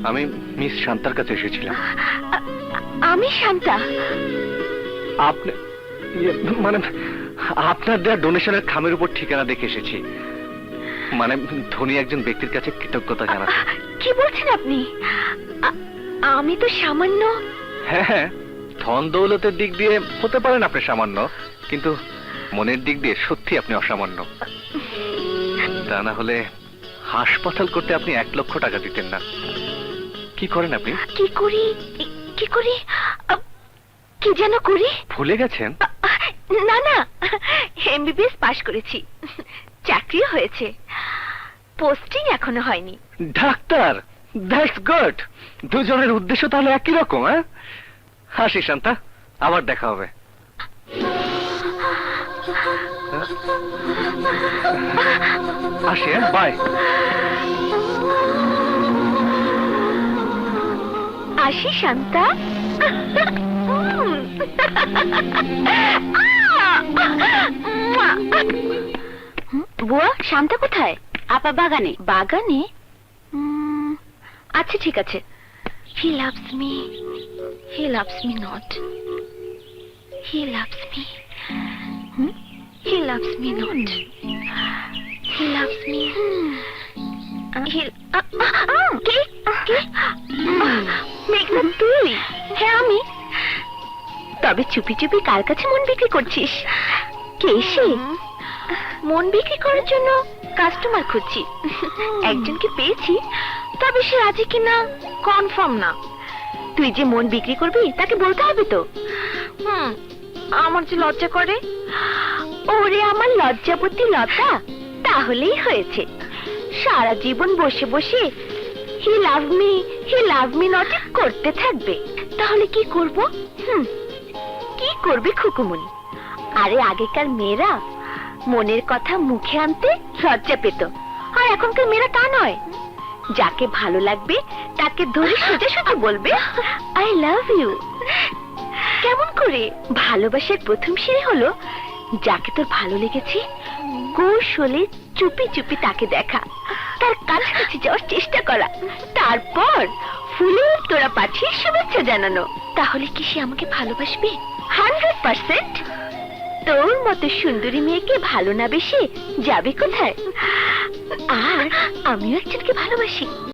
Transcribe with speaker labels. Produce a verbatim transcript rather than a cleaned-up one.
Speaker 1: আমি মিস শান্তার কাছে এসেছিলাম।
Speaker 2: আমি শান্তা?
Speaker 1: আপনি মানে আপনার দেওয়া ডোনেশনের খামের উপর ঠিকানা দেখে এসেছি, মানে ধনী একজন ব্যক্তির কাছে কৃতজ্ঞতা জানাতে।
Speaker 2: কি বলছেন আপনি? আমি তো সামান্য।
Speaker 1: হ্যাঁ হ্যাঁ, ধন দৌলতের দিক দিয়ে হতে পারেন আপনি সামান্য, কিন্তু মনের দিক দিয়ে সত্যি আপনি অসামান্য। তা না হলে হাসপাতাল করতে আপনি এক লক্ষ টাকা দিতেন না। কি করেন আপনি?
Speaker 2: কি করি কি করি কি যেন করি?
Speaker 1: ভুলে গেছেন?
Speaker 2: না না, এমবিবিএস পাশ করেছি, চাকরি হয়েছে, পোস্টিং এখনো হয়নি।
Speaker 1: Doctor, that's good. দুজনের উদ্দেশ্য তাহলে একই রকম। হ্যাঁ, হাসি শান্তা, আবার দেখা হবে। আসি, বাই।
Speaker 2: আসি শান্তা। বুয়া, শান্তা কোথায়? আপা বাগানে। বাগানে? আচ্ছা ঠিক আছে। He loves me. He loves me not. He loves me. Hmm? He loves me not. He loves me. He. কে কে? মেঘনা তুই? হ্যাঁ আমি। তবে চুপি চুপি কার কাছে মন বিক্রি করছিস? কে সে? মন বিক্রি করার জন্য কাস্টমার খুঁজছি। একজনকে পেয়েছি, তবে সে রাজি কিনা কনফার্ম না। তুই যে মন বিক্রি করবি তাকে বলতে হবে তো। হুম, আমার যে লজ্জা করে। ওরে আমার লজ্জাবতী লতা, তাহলেই হয়েছে। সারা জীবন বসে বসে he love me he love me not করতে থাকবে। তাহলে কি করব? হুম, কি করবে খুকুমনি? আরে আগেকার মেয়েরা মনের কথা মুখে আনতে লজ্জা পেত, আর এখনকার মেয়েরা তা নয়। যাকে ভালো লাগবে তাকে ধরে সোজা সোজা বলবে আই লাভ ইউ। কেমন করে? ভালোবাসার প্রথম সিঁড়ি হলো যাকে তোর ভালো লেগেছে কৌশলে চুপি চুপি তাকে দেখা, তার কাছাকাছি যাওয়ার চেষ্টা করা, তারপর ফুলের তোরা পাঠিয়ে শুভেচ্ছা জানানো। তাহলে কি সে আমাকে ভালোবাসবে? Hundred percent. তোর মতো সুন্দরী মেয়েকে ভালো না বেশি যাবে কোথায়? আর আমিও একজনকে ভালোবাসি।